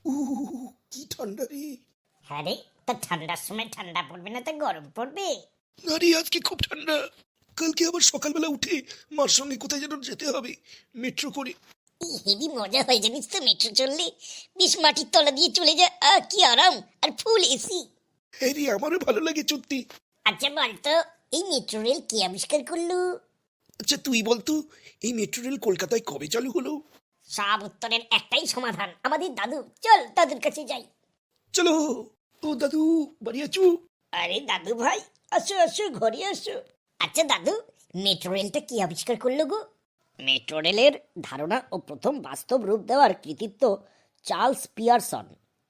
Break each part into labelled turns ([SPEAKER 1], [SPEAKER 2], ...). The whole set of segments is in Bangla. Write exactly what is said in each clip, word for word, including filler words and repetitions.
[SPEAKER 1] উহ, কি ঠান্ডা রে।
[SPEAKER 2] হ্যাঁ রে, তা ঠান্ডার সময় ঠান্ডা পড়বে না তো গরম পড়বে?
[SPEAKER 1] না রে, আজকে খুব ঠান্ডা। কালকে আবার সকালবেলা উঠে মার সঙ্গে কোথায় যেন যেতে হবে, মেট্রো করে।
[SPEAKER 2] হেবি মজা হয় জানিস তো মেট্রো চললে। বিষ মাটির তলা দিয়ে চলে যায়, আহ কি আরাম, আর ফুল এসি।
[SPEAKER 1] হ্যাঁ রে, আমারও ভালো লাগে সত্যি।
[SPEAKER 2] আচ্ছা বলতো, এই মেট্রো রেল কে আবিষ্কার করলো?
[SPEAKER 1] আচ্ছা তুই বলতো, এই মেট্রো রেল কলকাতায় কবে চালু হলো?
[SPEAKER 2] সব উত্তরের একটাই সমাধান, আমাদের দাদু। চল দাদুর কাছে যাই।
[SPEAKER 1] চলো। ও দাদু, বাড়ি আছো?
[SPEAKER 2] আরে দাদু ভাই, আসো আসো, ঘরে আসো। আচ্ছা দাদু, মেট্রো রেলটা কি আবিষ্কার করলো গো? মেট্রো রেলের ধারণা ও প্রথম বাস্তব রূপ দেওয়ার কৃতিত্ব চার্লস পিয়ারসন।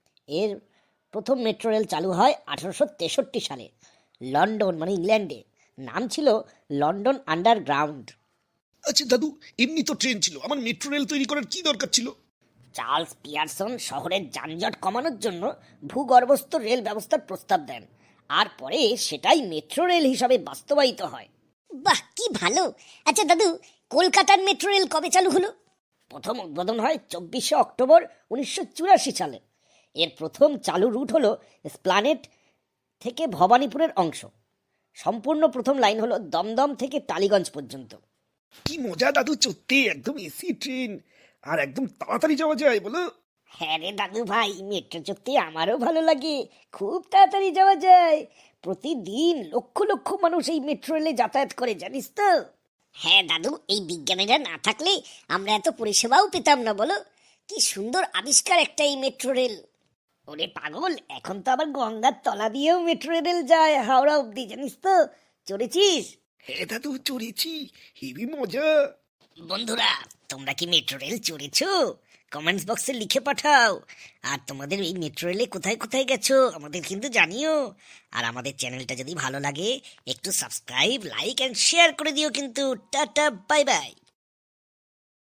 [SPEAKER 2] এর প্রথম মেট্রো রেল চালু হয় আঠারোশো তেষট্টি সালে লন্ডন মানে ইংল্যান্ডে। নাম ছিল লন্ডন আন্ডারগ্রাউন্ড।
[SPEAKER 1] আচ্ছা দাদু, এমনি তো ট্রেন ছিল, আমার মেট্রো রেল তৈরি করার কি দরকার ছিল?
[SPEAKER 2] চার্লস পিয়ারসন শহরের যানজট কমানোর জন্য ভূগর্ভস্থ রেল ব্যবস্থার প্রস্তাব দেন, আর পরে সেটাই মেট্রো রেল হিসাবে বাস্তবায়িত হয়। বাহ, কি ভালো। আচ্ছা দাদু, কলকাতার মেট্রো রেল কবে চালু হলো? প্রথম উদ্বোধন হয় চব্বিশে অক্টোবর উনিশশো চুরাশি সালে। এর প্রথম চালু রুট হলো স্প্লানেট থেকে ভবানীপুরের অংশ। সম্পূর্ণ প্রথম লাইন হলো দমদম থেকে টালিগঞ্জ পর্যন্ত।
[SPEAKER 1] কি মজা দাদু, সত্যি একদম এসি ট্রেন, আর একদম তাড়াতাড়ি যাওয়া যায় বলো।
[SPEAKER 2] হ্যাঁ রে দাদু ভাই, মেট্রো চড়তে আমারও ভালো লাগে। খুব তাড়াতাড়ি যাওয়া যায়। প্রতিদিন লক্ষ লক্ষ মানুষ এই মেট্রো রেলে যাতায়াত করে, জানিস তো। হ্যাঁ দাদু, এই বিজ্ঞানীরা না থাকলে আমরা এত পরিষেবাও পেতাম না, বলো। কি সুন্দর আবিষ্কার একটা এই মেট্রো রেল। ওরে পাগল, এখন তো আবার গঙ্গার তলা দিয়েও মেট্রো রেল যায় হাওড়া অব্দি, জানিস তো। চড়েছিস?
[SPEAKER 1] হ্যাঁ দাদু, চড়েছি, হেবি মজা।
[SPEAKER 2] বন্ধুরা, তোমরা কি মেট্রো রেল চড়েছো? কমেন্টস বক্সে লিখে পাঠাও। আর তোমাদের এই মেট্রো রেলে কোথায় কোথায় গেছো আমাদের কিন্তু জানিও। আর আমাদের চ্যানেলটা যদি ভালো লাগে একটু সাবস্ক্রাইব, লাইক এন্ড শেয়ার করে দিও কিন্তু। Tata, bye by.